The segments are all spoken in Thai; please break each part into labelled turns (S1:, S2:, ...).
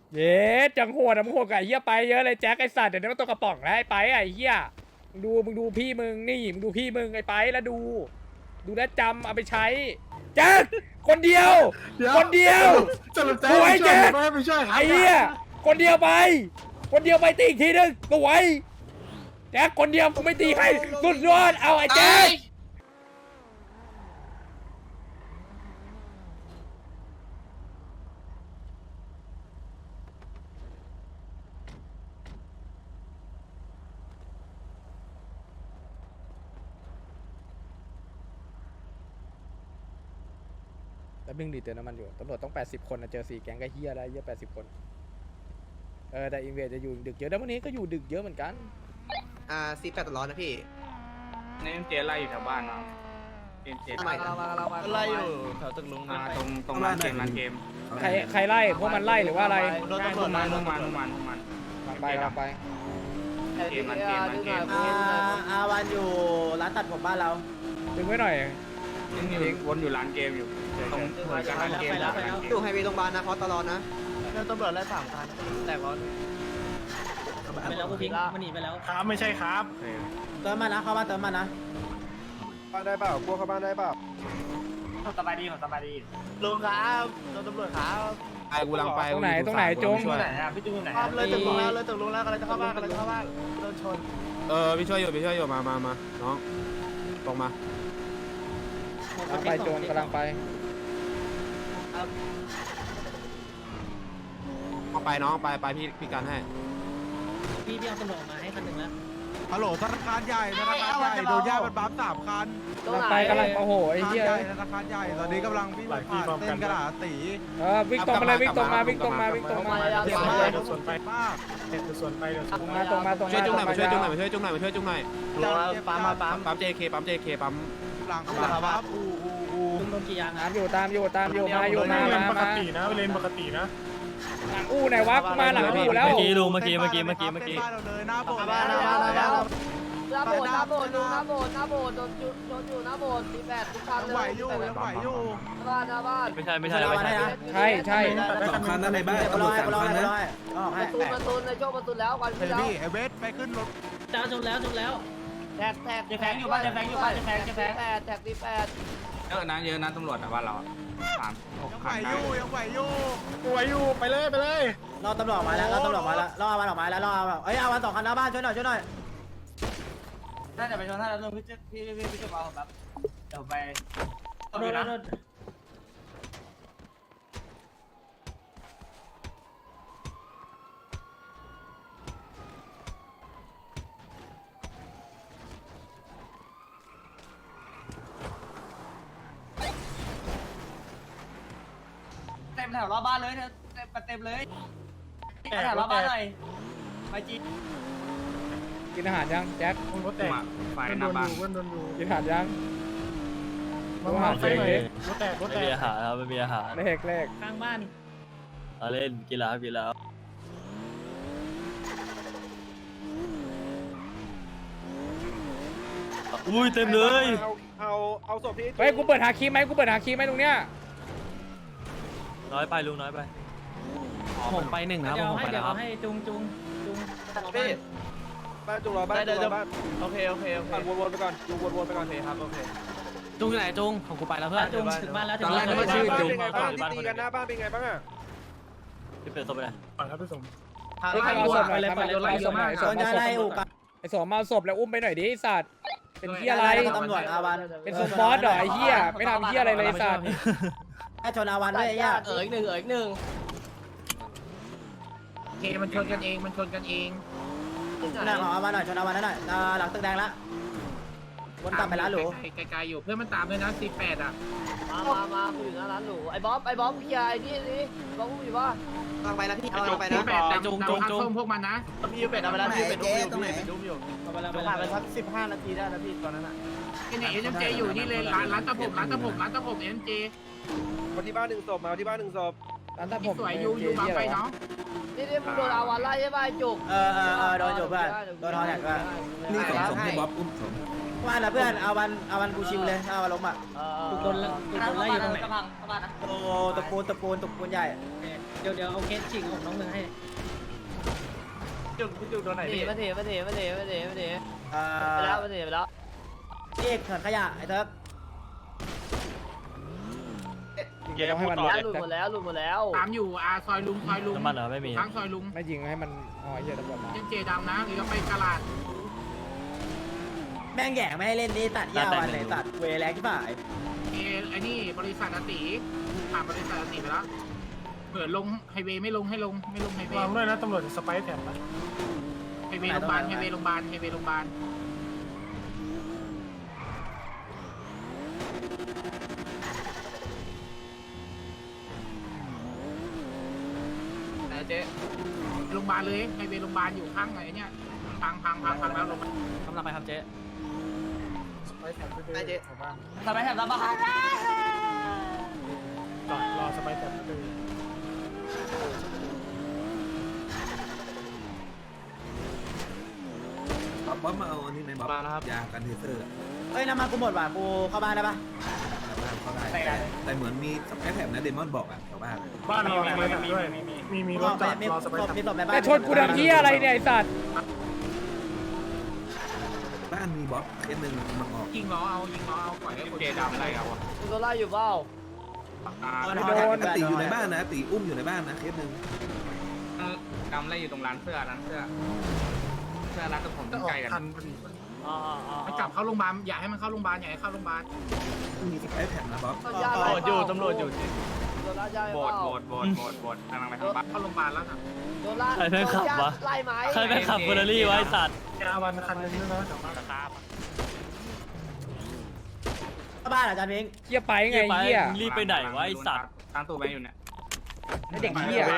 S1: เย้จังโหดกับไอ้เหี้ยไปเยอะเลยแจ็คไอ้สัตว์เดี๋ยวนี้มันตัวกระป๋องแล้วไอ้ไปไอ้เหี้ยมึงดูพี่มึงนี่มึงดูพี่มึงไอ้ไปแล้วดูแลวจำเอาไปใช้แจ็คคนเดียวคนเดียว
S2: สรุปแจ๊
S1: สวยแจ๊ค
S2: ไม่ช่วยครับ
S1: ไอ้เหี้ยคนเดียวไปตีอีกทีนึงสวยแจ็คคนเดียวกูไม่ตีใครสุดยอดเอาไอ้แจ็คแต่บึ้งดีเตือนน้ำมันอยู่ตำรวจต้อง80 คนนะเจอ4 แก๊งก็เฮียได้เยอะ80 คนแต่อินเวสจะอยู่ดึกเยอะแล้ววันนี้ก็อยู่ดึกเยอะเหมือนกัน
S3: C8 ตลอดนะพี่
S4: นี่เจไล่อยู่แถวบ้านเนาะเจ
S3: ทำไมนะ
S5: ไล่อยู่แถวตึกลุง
S4: มาตรงร้านเกม
S1: ใครไล่พวกมันไล่หรือว่าอะไร
S5: โดนตำรวจมา
S4: มัน
S1: ไป
S4: เกมมันเกม
S5: อาวันอยู่ร้านตัดผมบ้านเรา
S1: ดึงไว้หน่อย
S4: วนอยู่ร้านเกมอยู่ตรงหัวกันร้านเกม
S3: อยู่ไฮเวย์โรงพยาบาลนะเพราะตลอดนะ
S5: โดนตำรวจไล่3 คันแต่ก่อน
S6: ไปแล้วกูพิงมันหนีไปแล้ว
S2: ครับไม่ใช่ครับ
S5: เติมมานะเข้ามาเติมมานะ
S2: บ้านได้เปล่ากลัวเข้าบ้านได้เปล่า
S4: สบายดี
S5: ลุงครับโดนตำรวจครับ
S2: ไอ้กูลังไป
S1: ตรงไหนจง
S4: ไหนอ่ะพี่จุ้งไหน
S5: เลยตึกลุงแล้วกำลังจะเข้าบ้านโดนชน
S2: พี่ช่วยอยู่มาน้องตรงมา
S1: ไปโจงกำลังไป
S2: เอาไปน้องไปพี่กันให้
S6: พี่เอาตำรวจมาให้คันหนึ่งแล้ว
S7: ฮัลโหลธนาคารใหญ่โดนย่ามันบัฟ3 คัน
S1: กำลังไปโอ้โหไอ้เหี้ย
S7: ธนาคารใหญ่ตอนนี้กำลังวิ่งผ่านเส้นกระดาษตี
S1: วิ่งตรงมาเลยวิ่งตรงมา
S7: เจ็บมากส่วนไปมาก
S1: ตรงมา
S2: ช่วยจุ้งหน่อยมาช่วยจุ้งหน่อย
S5: ปั๊ม
S2: ปั๊ม JK ปั๊ม
S7: หลังบัฟอู
S6: โดนกี่ยาง
S1: ตามอยู่มา
S2: ปกตินะเลนปกตินะ
S1: หลังอู้ไหนวะกูมาหลังอู้แล้ว
S7: เมื่อกี้บ้านเราเลยหน้าโบสถ์
S5: หน้าโบสถ์
S8: หน้าโบสถ์โดนอยู่หน้าโบสถ์มี8ทุกครั้ง
S7: ยังไหวอยู่
S8: หน้าบ้าน
S5: ไม่ใช่
S1: ใช่
S7: 2 คันนั่นในบ้านตำรวจ3 คันนะ
S8: ประตูในช่วงประตูแล้ววัน
S7: เฮ้
S8: ที่
S7: ย
S8: แล้ว
S7: พี่ไอเวสไปขึ้นรถ
S6: จ้าจบแล้ว
S8: แท็กแท็กที่8แท็กที่8
S4: เยอะนะตำรวจบ้านเรา
S7: ยังไหวอยู่
S2: ไปเลย
S5: รอตำรวจมาแล้วรออาวันออกมาแล้วอาวัน2 คันหน้าบ้านช่วยหน่อย
S4: น่าจะไปชนท่าแล้วพี่จะเอาแบบเดี๋ยวไป
S6: โดน
S4: เต็มแถวรอบบ้านเลยเต็มเลยแถวรอบบ้านหน่อยไปจี
S1: กินอาหารยังแจ็ค
S2: รถแตก
S4: ไฟหน้าบ้าน
S1: กินอาหารยัง
S2: อาหารรถแตก
S5: ไม่มีอาหารครับไม่มีอาหาร
S1: เลข
S6: ข้างบ้าน
S5: เล่นกีฬาอุ้ยเต็มเลย
S2: เอาศพที่
S1: เฮ้ยกูเปิดหาคีย์ไหมตรงเนี้ย
S5: น้อยไปลุงน้อยไป
S2: ผมไป1นะ
S6: เดี๋ยวเอาให้จุง
S2: บ้านจุงรอบ้านบ้าน
S5: โอเค
S2: วนไปก่อนดูวนไปก่อน
S5: ครับโอเค
S2: จุงอยู่ไหนจุงของกูไปแล้วเพื่อน
S6: จุงถึงบ้านแล้วถึง
S2: บ้าน
S6: บ้าน
S2: เป็นไง
S6: แล้ว
S2: บ้างที่ตีกันหน้าบ้านเป็นไงบ้างอ่ะ
S5: พี่เป็ดส่งไปเลย
S2: ครับพี่สม
S1: เอาศพหน่อยไอ้สมเอาศพแล้วอุ้มไปหน่อยดิไอ้สัตว์เป็นเหี้ยอะไร
S5: ตำรวจอาวัน
S1: เป็นซุปบอสเหรอไอ้เหี้ยไม่ทำเหี้ยอะไรเลยไอ้สัตว์
S5: แค่ชนอาวันด้วยไอ้ย่า
S8: อีกหนึ่ง
S4: เคมันชนกันเอง
S5: หน้าของอาวันหน่อยชนอาวันหน่อยหลังตึกแดงละวนกลับไปร้านหรู
S4: ไกลๆอยู่เพื่อนมันตามด้วยนะ48อ่ะ
S8: มากูอยู่หน้าร้านหรูไอ้บ๊อบเคลียร์ไอ้นี่สิบ๊อบกูอยู่ป่ะ
S3: กำลังไปนะพี่กำลังไปนะ
S4: จุงพวกมันนะ
S5: พี่เป็ดเอาไปแล้วพี่เป็ดดุมอยู่ผ่านไปสัก15 นาทีได้แล้วพี่ตอนนั้นอ่ะ
S4: นี่เอ็มเจอยู่นี่เลยร้านตะผมเอ็มเจ
S2: มาที่บ้าน1 ศพมาที่บ้าน1 ศพ
S1: ร้านตัดผม
S4: สวยอยู่บางไปเนาะ
S8: นี่มึงโดนอาวันไล่ใช่ป่ะจุก
S5: โดนอยู่เพื่อนโดนทอแท็กก็
S7: นี่สมให้บ๊อบอุ้มสม
S5: ว่าแล้วเพื่อนอาวันกูชิวเลยอาวันล้มอ่ะ
S6: ถูกโดนไล่อยู่ตรงไหน
S5: โอ้ตะปูนใหญ่
S1: เ
S6: เดี๋ยวเอาเคสฉีกของน้องเมืองให้
S4: จุกโดนไหน
S8: มา
S4: พี่
S8: เถอะมาเถอะมาเถอะมาเถอะมาเถอะ
S5: เ
S8: ไปแล้วมาเถอะไปแล้ว
S5: เอกเถินขยะไอ้เถิร์ก
S1: เดี๋ยวให้มัน
S8: หลุดหมดแล้วหลุดหมดแล้ว
S9: ตามอยู่ซอยลุงน้ำมันเหรอไม่มีทั้งซอยลุง
S1: ไม่ยิงให้มันอ๋อเหี้ยตำรวจมา
S9: เจดำนะหรือเราไปกลาด
S5: แม่งแย่ไม่ให้เล่นนี่ตัดยาวอันไหนตัดเวแรงที่ฝ่าย
S9: ไอ้นี่บริษัทอติผ่านบริษัทอติไปแล้วเปิดลงไฮเวย์ไม่ลงไฮเวย์
S7: วางด้วยนะตำรวจสไปร์แถมนะ
S9: ไฮเวย์โรงพยาบาลไฮเวย์โรงพยาบาลไฮเวย์โรงพยาบาล
S4: ไหนเจ๊
S9: โรงพยาบาลเลยไฮเวย์โรงพยาบาลอยู่ข้างไหนเนี่ยพังแล้วลง
S6: กำลังไปครับเจ๊
S7: สไปร์แถมไปด้วยแถวบ้าน
S4: ทำไมแถบรับบ้างครับ
S7: จอดรอสไปร์แถมไปด้วย
S10: บ๊อบมาเอาอันนี้ไหมบ๊อบมาแล้วครับยากันเทเซอร์
S5: เอ้ยน้ำมันกูหมดว่ะกูเข้าบ้านได้ปะ
S10: เข้าได้แต่เหมือนมีสไปร์แถมนะเดมอนบอกอ่ะแถวบ้าน
S7: บ้านรอสไปร์แถมด้วยมีรถจอดรอสไปร์แถม
S5: มีศพในบ้าน
S1: แต่ชนกูทำเหี้ยอะไรเนี่ยไอ้สัตว์
S10: บ้านมีบ๊อบเคสหนึ่งมันออก
S9: ยิงล้อเอาปล่อยให้คนเจดำอะไรเอาอะ
S8: โดนไล่อยู่เปล่า
S10: ตีอยู่ในบ้านนะตีอุ้มอยู่ในบ้านนะเคสหนึ่ง
S4: ดำไล่อยู่ตรงร้านเสื้อร้านร้านกับผม
S7: จะออก
S4: ใกล้กัน
S7: ทันพอดี
S9: มันกลับเข้าโรงพยาบาลอย่าให้มันเข้าโรงพยาบาลอย่าให้เข้าโรงพยาบาล
S10: มีสไปร์แถมนะบ๊อบ
S8: ตำรวจอยู่ตำรวจอยู่โดนไล่ย่อยเปล่า
S4: โบดกำลังไปทางบ้าน
S9: เข้าโรงพยาบาลแล้วนะ
S8: โดนไล่ไล่ไหม
S6: ใครไปขับเฟอร์รารี่ไว้สัตว์
S7: ยาวันคันนึงด้วยนะแถวบ้าน
S5: เข้าบ้านเหรออาจารย์พิงค์
S1: เหี้ยไปไงเหี้ย
S6: รีบไปไหนวะไอสัตว์
S4: ตั้งตัวไปอยู่เนี่ย
S1: ไอ้เด็กเหี้ย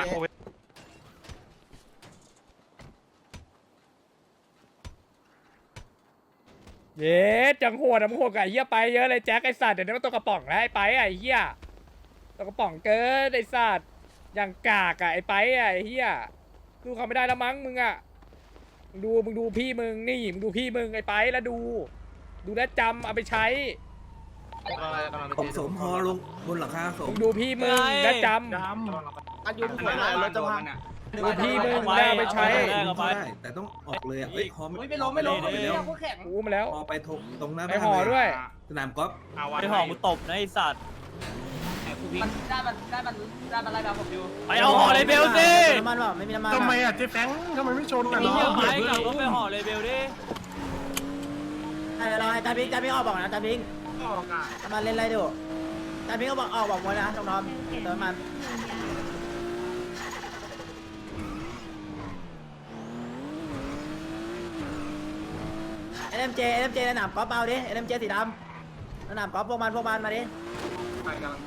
S1: เย้จังโหดกับไอ้เหี้ยไปเยอะเลยแจ็คไอ้สัตว์เดี๋ยวนี้มันตัวกระป๋องแล้วไอ้ไปไอ้เหี้ยตัวกระป๋องเกินไอ้สัตว์อย่างกากอะไอ้ไปไอ้เหี้ยดูเขาไม่ได้แล้วมั้งมึงอะมึงดูพี่มึงนี่มึงดูพี่มึงไอ้ไปแล้วดูแลวจำเอาไปใช้
S10: ผมสมฮอลงบนหลังคาสม
S1: มึงดูพี่มึงและจำ
S4: อายุหัวไหนรถจะพัง
S1: ดูพี่มึงได้เอาไปใช้
S10: ได้แต่ต้องออกเลยอ่ะเฮ้ยฮอ
S4: ไม่ล้มไม่แข็ง
S1: กูมาแล้ว
S10: ฮอไปตรงหน้า
S1: ไป
S10: บ้าน
S1: ห่อด้วย
S10: สนามกอล์ฟ
S6: ไปห่อกูตบนะไอสัตว์
S4: มันได้อะไรแบบผมอยู่
S6: ไปเอาห่อเลยเบลสิ
S5: น้ำมันเปล่าไม่มีน้ำมัน
S7: ทำไมอ่ะเจ๊แฟงทำไมไม่ชนกัน
S6: มี
S7: เนาะ
S6: เหี้ยไปกับรถไปห่อเลยเบลดิ
S5: เราอาจารย์พิงค์ออกบอกนะอาจารย์พิงค์
S9: ออกอ่ะ
S5: น้ำมันเล่นอะไรดูอาจารย์พิงค์ก็บอกออกบอกหมดนะน้องๆเติมมันเอ็มเจสนามกอล์ฟเอาดิเอ็มเจสีดำสนามกอล์ฟพวกมันมาดิ
S9: ไปกำลังไป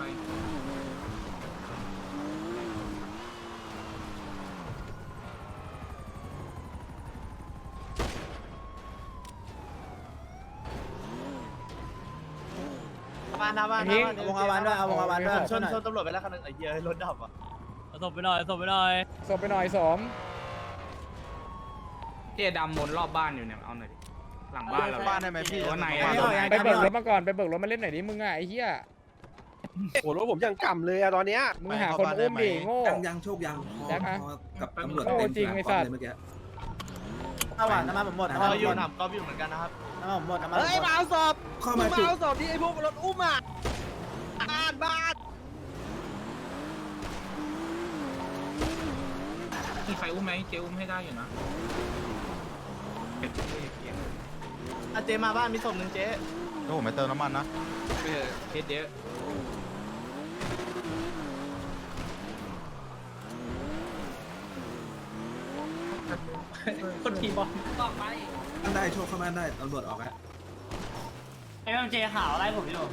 S4: บ้านหน้าบ้าน
S5: เอาวงอาวันด้วยเอาวงอาวันด้วย
S4: ชนตำรวจไปแล้วคันนึงไอ้เหี้ยรถดับอ่ะ
S6: เอาศพไปหน่อยศพไปหน่อย
S1: สบไปหน่อยสม
S4: เจ๊ดำวนรอบบ้านอยู่เนี่ยเอาหน่อยดิหลังบ้านเราบ้านได้ไหมพี่ว่าไหน
S1: ไปเบิกรถมาก่อนไปเบิกรถมาเล่นหน่อยดิมึงอะไอ้เหี้ย
S3: โอ้รถผมยังกำเลยอะตอนเนี้ย
S1: มึงหาคนอุ้มดิโง่
S10: ยังโชคยังฮอ
S1: แจ็คอะ
S10: กับตำรวจ
S1: โอ้จริงไอ้สัตว์
S10: เมื่อกี้
S5: เอาว่ะน้ำมันผมหมดน้ำมันผมหมด
S4: ก็อยู่เหมือนกันนะครับ
S5: น้ำมันผมหมดน้ำมันผม
S3: เฮ้ย
S5: หม
S3: มา
S5: ด
S3: เอาศพ
S10: เข้า
S3: มึ
S10: มาง
S3: มา
S10: จุด
S3: เอาศพที่ไอ้พวกรถอุ้มอ่ะบ้าน
S9: มีใครอุ้มไหมเจอุ้มให้ได้อยู่นะ
S4: เจ๊มาบ้านมีศพหนึ่งเจ๊
S7: โอ้ผมไปเติมน้ำมันนะ
S4: เคสเยอะ
S6: คนขี่บอล
S4: ต่อไป
S10: ได้โชคเข้าบ้านได้ตำรวจออกแล้ว
S4: เอ็มเจข่าวไล่ผมอยู่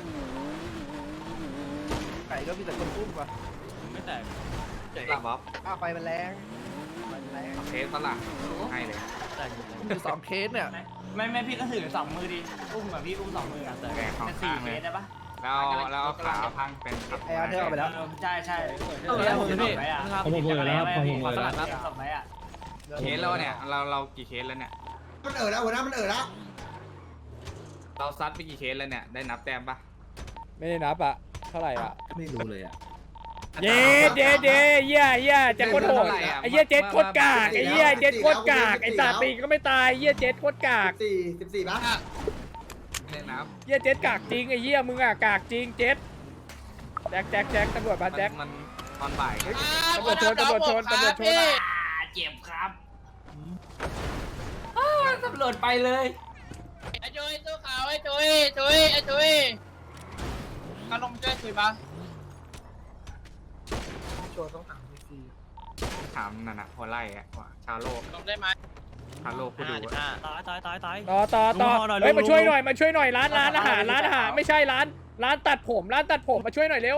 S3: ไก่ก็มีแต่คนอุ้มว่ะ
S6: ไม่แตก
S4: หลับบ๊อบ
S3: ไฟมันแรงไฟมันแรง
S4: เคสฝรั่งให้เลย
S6: แตก
S3: มีสองเคสเนี่ย
S4: ไม่พี่ก็ถือสองมือดิอุ้มแบบพี่อุ้มสองมืออ่ะ
S6: แตก
S4: แค่สี่เคสได้ปะ
S2: แล้วขาพังเป็น
S3: ไอ้อาเธอร์เอาไปแล้ว
S4: ใช่ใช่
S6: ผมหมดแล้วผมหมดแล้ว
S4: ศพไหมอ่ะ
S2: เคสแล้วเนี่ยเรากี่เคสแล้วเนี่ย
S3: มันแล้วหัวหน้ามันแล้ว
S2: เราซัดไปกี่เคสแล้วเนี่ยได้นับแต้มปะ
S1: ไม่ได้นับอะเท่าไหร่อะ
S10: ไม่รู้เลยอ่ะ
S1: เย้เย้เย้เหี้ยแจ็คโคตรโหดไอ้เหี้ยเจ็ดโคตรกากไอ้เหี้ยเจ็ดโคตรกากไอ้สาปีก็ไม่ตายเหี้ยเจ็ดโคตรกาก
S3: 14ป่ะ
S9: เล่นน้
S1: เหี้ยเจ็ดกากจริงไอ้เหี้ยมึงอะกากจริงเจ็ดแจ็คตำรวจมาแจ็ค
S9: มันตอนบ่าย
S1: ตำรวจชนตำรวจชน
S4: เจ็บครับตำรวจไปเลยไอ้จุ้ยสู้เขาไอ้จุ้ยมาลงช่วยคุยบ้าง
S9: ถามนั่นน่ะหัวไล่อะว่าชาโลก
S4: ลงได้ไหม
S9: ชาโลกกูดู
S6: ตาย
S1: ต่อ
S6: ลุงห่อหน่อย
S1: เฮ้ย
S6: ลุง
S1: มาช่วยหน่อยร้านอาหารไม่ใช่ร้านตัดผมมาช่วยหน่อยเร็ว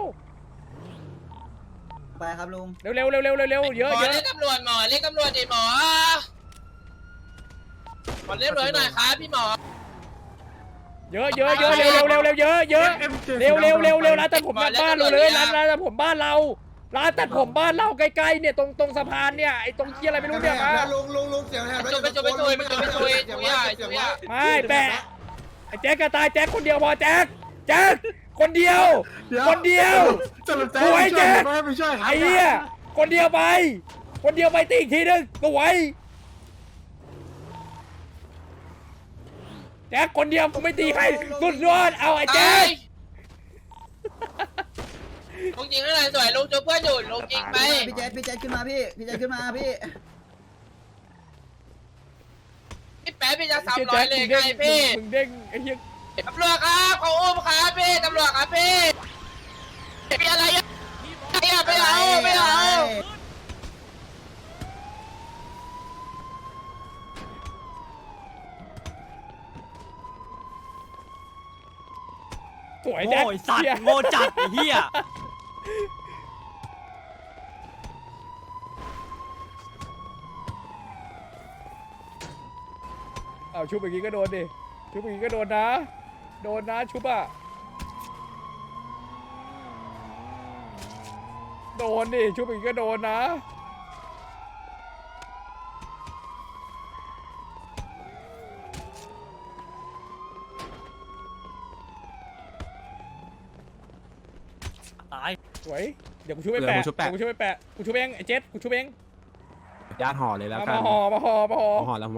S5: ไปครับลุง
S1: เร็วเยอะ
S4: เรียกตำรวจเรียกตำรวจดิหมอขอเรียบร้อยหน่อยครับพี่หมอ
S1: เยอะเร็วร้านตัดผมบ้านเราเลยร้านตัดผมบ้านเราร้านตัดผมบ้านเราใกล้ๆเนี่ยตรงสะพานเนี่ยไอ้ตรงเคียอะไรไม่รู้เนี่ยมา
S3: ลุงเสียงแหบ
S4: ไปจุย
S1: ไม่แปะไอ้แจ็คกระตายแจ็คคนเดียวพอแจ็คคนเดียวสวยแจ็คไอ้เหี้ยคนเดียวไปตีอีกทีนึงสวยแจ็คคนเดียวกูไม่ตีให้สุดยอดเอาไอ้แจ็ค
S4: ลุงจริงเท่าไหร่สวยลุงจูเพื่อนอยู่ลุงจริงไป
S5: พี่เจษขึ้นมาพี่ขึ้นมาพี่
S4: พี่แป๊ะพี่จะ300เลยไงพี่
S1: มึงเด้งไอ้เหี้ย
S4: ตำรวจครับเขาอุ้มครับพี่ตำรวจครับพี่มีอะไรอ่ะไม่เอา
S1: สวยแจ็ค
S6: โง่สัตว์โง่จัดไอ้เหี้ย
S1: เอาชุบอย่างงี้ก็โดนดิชุบอย่างงี้ก็โดนนะชุบอ่ะโดนดิชุบอย่างงี้ก็โดนนะ
S6: ตาย
S1: สวยเดี๋ยวกูชุบไปแปะกูชุบเองไอ้เจ็ดกูชุบเอง
S2: ญาติห่อเลยแล้วกัน
S1: มาห่อ
S2: ห่อแล้ว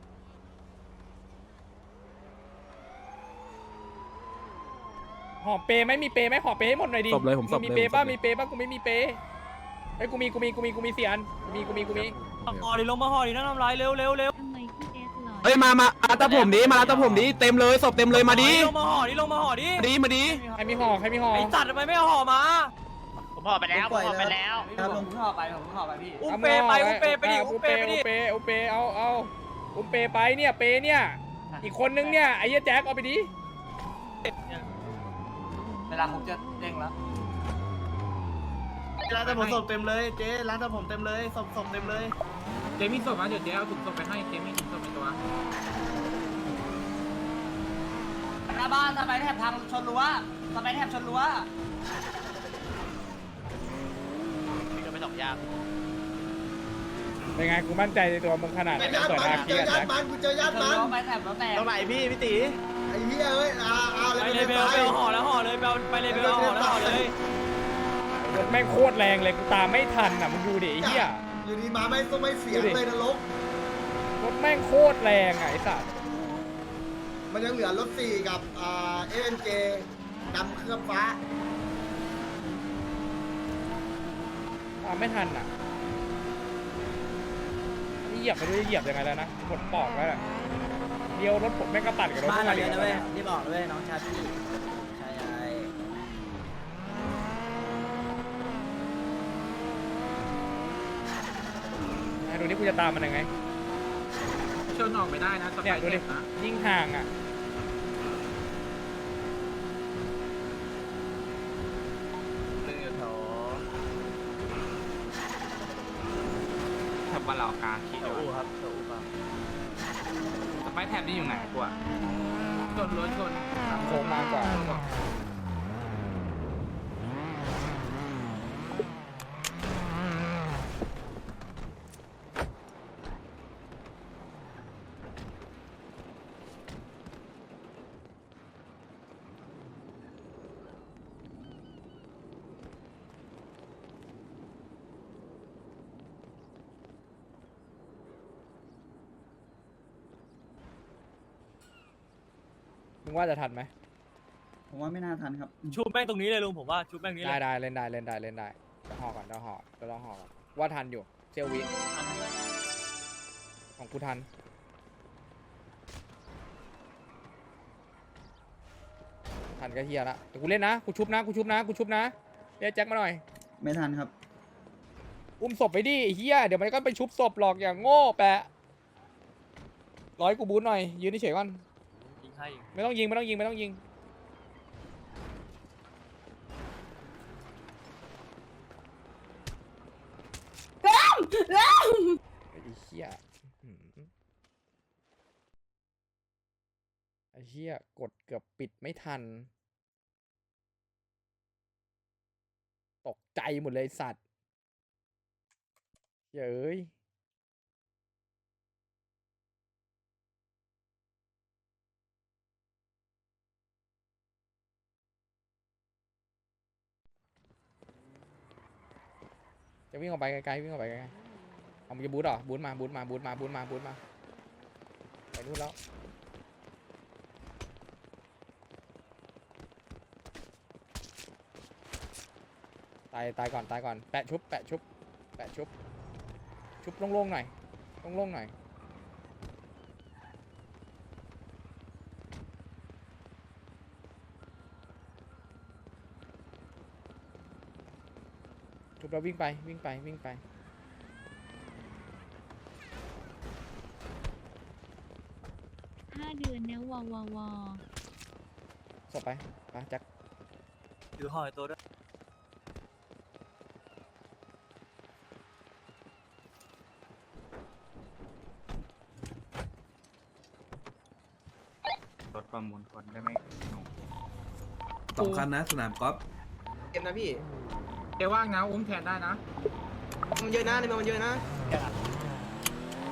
S1: ห่อเปไหมมีเปไหมห่อเปให้หมดหน่อยดิ
S2: ศพเลยผมศพเลย
S1: มีเปป่ะกูไม่มีเปไอ้ยกูมีเสียอันกูมี
S6: ห่อดิลงมาห่อดินั่งทำไรเร็ว
S11: ทำไมพี่เอสหล่อ
S2: เฮ้ยมาตาผมดิมาตาผมดิเต็มเลยศพเต็มเลยมาดิ
S6: ลงมาห่อดิ
S2: มาดิ
S1: ใครมีห่อ
S6: ไอ้สัตว์ทำไมไม่ห่อมา
S4: ผมห่อไปแล้ว
S5: ครับลุง
S4: ผมห่อไปพี่
S6: อุ้มเปไปดิ
S1: อุ้มเปเอาอุ้มเปไปเนี่ยเปเนี่ยอีกคนนึงเนี่ยไอ้เหี้ยแจ็คเอาไปดิ
S4: เวลาผมจะเด้งแล้ว
S3: ร้านแต่ผมศพเต็มเลยเจ๊ร้านแต่ผมเต็มเลยศพเต็มเลย
S9: เจมี่ศพมาเดี๋ยวเจ๊เอาถุงศพไปให้เจมี่ถุงศพในตัว
S4: หน้าบ้านทำไมแถบทางชนรั้วไปสองยาง
S1: เป็นไงกูมั่นใจในตัวมึงขนาดไหนเปิดอาคีอะแจ็ค
S3: กูเจอญาติมัน
S4: ไปแถบแล้วแต่
S3: ตรงไหนพี่ตี ไอ้เหี้ยเอ้ยเอา
S6: ไปเลยเบลห่อแล้วห่อเลยไปเลยเบลห่อแล้วห่อเลย
S1: รถแม่งโคตรแรงเลยกูตามไม่ทันอ่ะมึงดูดิไอ้เหี้ย
S3: อยู่ดีมาไม่เสียงเลยนรก
S1: รถแม่งโคตรแรงอ่ะไอ้สัส
S3: มันยังเหลือรถ4กับANJ ดำเคลือบฟ้า
S1: ตามไม่ทันอ่ะนี่เหยียบไปด้วยเหยียบยังไงแล้วนะหมดปอกแล้วเดียวรถผมแม่งก็ตัดกับรถ
S5: บ้านเรา
S1: เดี
S5: เย
S1: ยว
S5: อะนะเว้ยรีบบอกเลยน้องชาพี่ใช่
S1: ดูนี่กูจะตามมันยังไง
S9: ชนออกไม่ได้นะส
S1: เนี่ย
S9: บาย
S1: ดูดิ
S9: เจ็บนะ
S1: ยิ่งห่างอ่ะ
S9: แถบวันเหล่ากาขี่อยู่ครับสไปแถบนี่อยู่ไหนกูอะชนรถชน
S1: โค้งมากกว่างว่าจะทันไหม
S5: ผมว่าไม่น่าทันครับ
S6: ชุบแม่งตรงนี้เลยลุงผมว่าชุบแม่งนี้เล
S1: ได้
S6: ย
S1: ได้เล่นได้เล่นได้เล่นได้จะห่อก่อนจะห่อจะลองห่อก่อนว่าทันอยู่เซลวิของกูทันก็เฮียละแต่กูเล่นนะกูชุบนะกูชุบนะกูชุบนะเรียกแจ็คมาหน่อย
S5: ไม่ทันครับ
S1: อุ้มศพไปดิไอ้เฮียเดี๋ยวมันก็ไปชุบศพหรอกอย่างโง่แปะร้อยกูบูทหน่อยยืนเฉยๆก่อน
S6: ยิงให้
S1: ไม่ต้องยิงไม่ต้องยิงไม่ต้องยิงไอ้เฮียไอ้เฮียกดเกือบปิดไม่ทันตกใจหมดเลยสัตว์เย้ยจะวิ่งออกไปไกลๆวิ่งออกไปไกลๆเอามึงจะบูทเหรอบูทมาบูทมาบูทมาบูทมาบูทมาไปนู่นแล้วตายก่อนตายก่อนแปะชุบแปะชุบแปะชุบชุบโล่งๆหน่อยโล่งๆหน่อยชุบแล้ววิ่งไปวิ่งไปวิ่งไป
S11: 5 เดือนนะวว
S1: ศพไปแจ็ค
S6: ถือห่อตัวด้วย
S9: รถประมูลคนได้ไหม
S10: 2 คันนะสนามกอล์ฟ
S5: เกมนะพี่
S9: เดี๋ยวว่างนะอุ้มแทนได้นะ
S5: มันเยอะนะในเมืองมันเยอะนะ
S1: เ